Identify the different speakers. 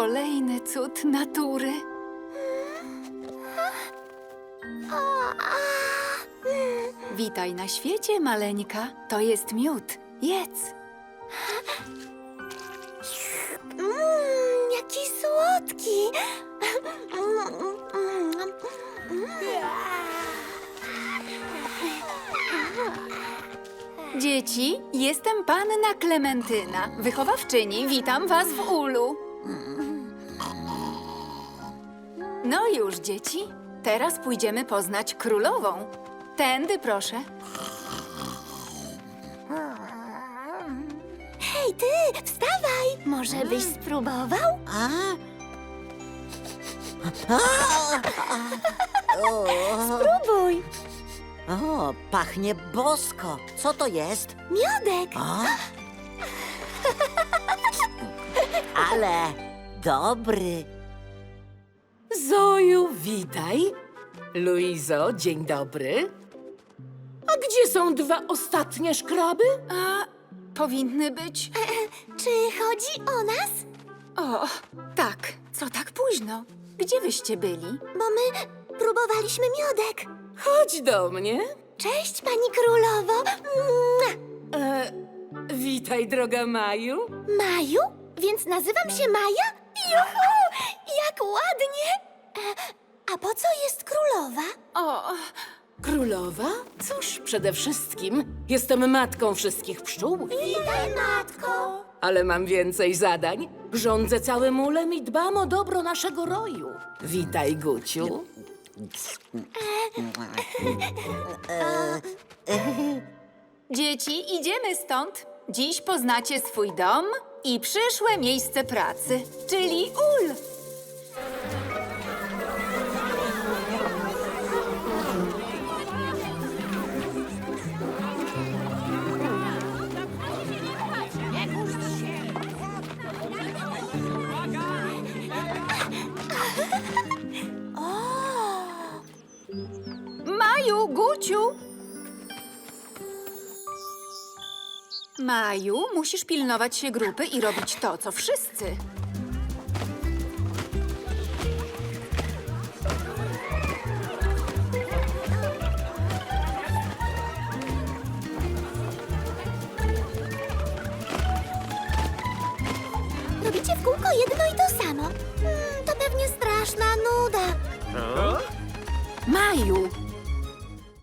Speaker 1: kolejny cud natury. Witaj na świecie, maleńka. To jest miód. Jedz.
Speaker 2: Jaki słodki!
Speaker 1: Dzieci, jestem panna Klementyna, wychowawczyni. Witam was w ulu. No już, dzieci. Teraz pójdziemy poznać królową. Tędy, proszę.
Speaker 2: Hej, ty, wstawaj! Może byś spróbował? Spróbuj!
Speaker 3: O, pachnie bosko. Co to jest?
Speaker 2: Miodek!
Speaker 3: O? Ale dobry.
Speaker 4: Zoju, witaj. Luizo, dzień dobry. A gdzie są dwa ostatnie szkraby?
Speaker 1: A powinny być...
Speaker 2: Czy chodzi o nas?
Speaker 1: O, tak. Co tak późno? Gdzie wyście byli?
Speaker 2: Bo my próbowaliśmy miodek.
Speaker 4: Chodź do mnie.
Speaker 2: Cześć, pani królowo! Mua!
Speaker 4: Witaj, droga Maju.
Speaker 2: Maju? Więc nazywam się Maja? Juhu! Jak ładnie! A po co jest królowa?
Speaker 1: O,
Speaker 4: Królowa? Cóż, przede wszystkim jestem matką wszystkich pszczół,
Speaker 2: Witaj, matko!
Speaker 4: ale mam więcej zadań. Rządzę całym ulem i dbam o dobro naszego roju. Witaj, Guciu.
Speaker 1: dzieci, idziemy stąd. Dziś poznacie swój dom i przyszłe miejsce pracy, czyli ul. Maju, Guciu! Maju, musisz pilnować się grupy i robić to, co wszyscy.
Speaker 2: Robicie w kółko jedno i to samo. To pewnie straszna nuda.
Speaker 1: Maju,